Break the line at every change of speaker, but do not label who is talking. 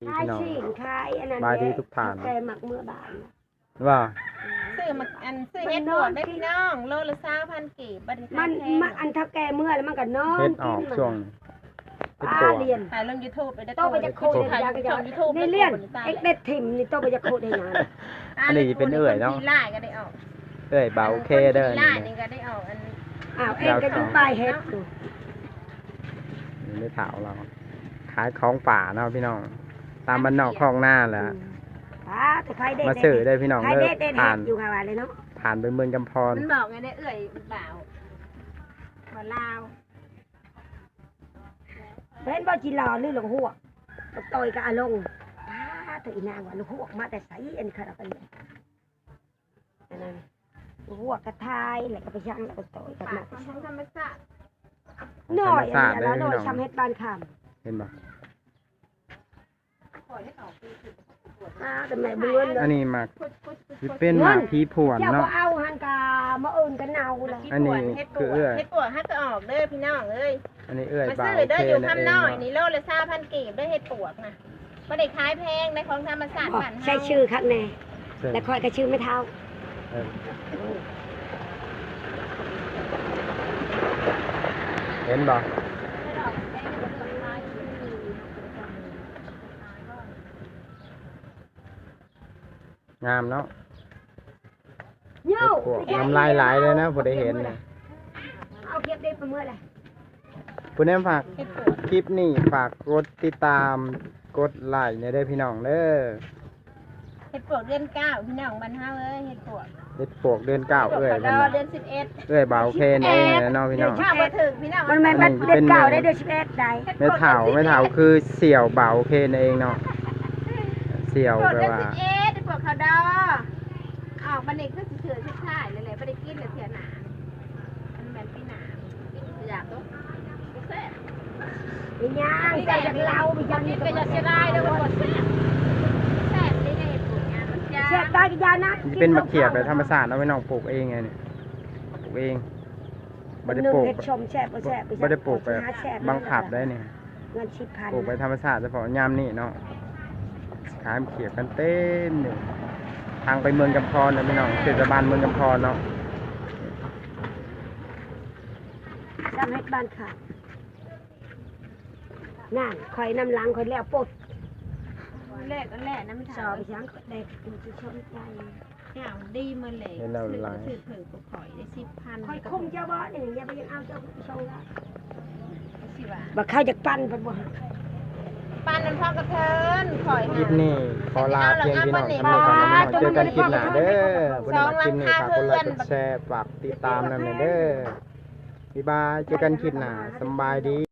ขายสิ่งขายอันนั้น
บายดีทุกท่าน
แต่หมักเมื่อบาน
ว่า
ซื้อมาซื้อเฮ็ดบวกได้พี่น้องโลละ20,000กีบบัดนี้
มัน
แพง
มันอันเท่าแก่เมื่อแล้วมันก็นอน
เฮ็ดออกช่วงเฮ็ด
ป้า
ตัว
เรียน
ถ่ายลง YouTube ไปได้
โตไปจะโคตร
ถ่าย
ยา
ล
ก็
ง
จะ
YouTube
ในเรียนเอ็กเด็ดถิ่มนี่โตไปจะโคตรได้นาน
อันนี้เป็นเอื้อยเนาะ
ไล่ก็ได้ออก
เอ้ยเบาโอเคเด้อ
ไล่
นี่
นี่ก็ได้ออกอัน
อ้าวเอ็งก็อยู่ปลายเฮ็ดอยู่
นี่ไม่ถาวเราขายของป่าเนาะพี่น้องตามบ้านนอกคลองหน้าแหละ
แต่ใครเด็ด
มาซื้อได้พี่น้อง
ใคร
เด้
เด็
อ
ดเด็ด
ผ่าน
อยู่ค่ะว่าเลยเนาะ
ผ่านไปเมืองกำพร
มันบอกไงได้เอื้อยเปล่าบ่ลาว
เห็นบ่จีรอหรือหลงหัวต่อยกับอาลงแต่อีนางว่าหลงหัวมาแต่ใสอันนี้ค่ะเราไปเลยอันนั้นหลงหัวกระทายแล้วก็ไปย่างแล้วก็ต่อยกัน
ปา
มา
กของธรรมชาติ
หน่อยอันนี้แล้วหน่อยทำเฮ็ดบ้านค
เห็นบ่
ปล่อยให้ออกปีคือ
ำแต่แม่เบื่อเลย
อันนี้หมาก
พุด
ที่เป็นหมากผีผวน
เจ้า
เนาะ
ก็เอาหันกามาเอินกันเนาเลย
อันนี้คือเอื้อย
เฮ็ดปวดให้ก็ออกเด้อพี่น้องเอ้ย
อันนี้เอ้ย
มา
เบา
ซื้อ
โอ
เด้อ
เค
อยู่
นั่นเอง
คำน้อย
เนาะ
นี่โลละ20,000กีบได้เฮ็ดปวกนะบ่ได้ขายแพงได้ของธรรมชาติบ้านเฮา
ใช้ชื่อข้างใน
เสร็จ
แล้วคอยก็ชื่อไม่เท่า
เออเห็นบ่งามเนาะ
โย่
พวกน้ำลายไหลเลยนะพอได้เห็นนะ
เอาเก็บได้ประเมื่อไร
คุณแม่ฝาก
เฮ็ดปวก
คลิปนี้ฝากกดติดตามกดไลค์เนี่ยได้อพี่น้องเด้อ
เฮ็ดปวกเดือน9พี่น้องบ้านเฮาเอ้ยเฮ็ดปวก
เฮ็ดปวกเดือนเก้าเอ้ย
ด
เพิ่น
อ
น่ะ
เดือน11
เอ้ยบ่าวเคนเองนะเนาะพี่น้อง
ข้าวบ่ถึงพี่น้อง
มันไม่มันเด็ดเก่าได้เดือน11ได้
ไม่เฒ่าคือเสี่ยวบ่าวเคนเองเนาะเสี่ยว
ปวก
แปล
เดือน
ว่า
11เฮ็ดปวกข้าวดอออกบัดนี้คือสิเถื่อสุดท้ายเลยแหละบ่ได้กินเลยเถื่อหนามันแม่นปีหน้าอยากตกแซ่บ
มีย่างใส่จากเรามีย่าง
นี่
นี่
ก็
ก็
จะเสียดายเด้อมันบ่แซ่บแซ่บนี่ไงเฮ็ดปวกเนี่ยมันจะ
เสียบตายกี่ยานะ
มันเป็นมะเขือแบบธรรมชาติเนาะพี่น้องปลูกเองไงเนี่ยปลูกเองบ่ได้ปลูก
เฮ็ดชมแซ่บบ่แซ่บ
บ่ได้ปลูกแบบบังคับได้เนี่ย
เงิน10,000
ปลูกไปธรรมชาติเฉพาะยามนี่เนาะขายมะเขือกันเต็มเลยทางไปเมืองกำพรเนาะพี่น้องเทศบาลเมืองกำพรเนาะ
ทำให้บ้านค่ะนั่นคอยน้ำหลังคอยแล้วปด
แรกก็แรกน้ำ
ส
ถา
อ
ว
บไปช้างเด็กมันจะชนใจ
ข่าวดีมาเลยถือกูข่อยได้10,000
คอยคุมเจ้าบ่เนี่ยอย่าไปยังเอาเจ้าชงละ
สิว่า
บ่เข้าจากปั้นเพิ่นบ่
ปานนั้นพอกระเทินข่อย
คลิปนี้ขอลาเพียงพี่น้องสำหรับการเจอกันคลิปหน้าเด้อผู้ใดมาคลิปนี้ฝากกดไลค์กดแชร์ฝากติดตามนำเด้อบ๊ายบายเจอกันคลิปหน้าสำบายดี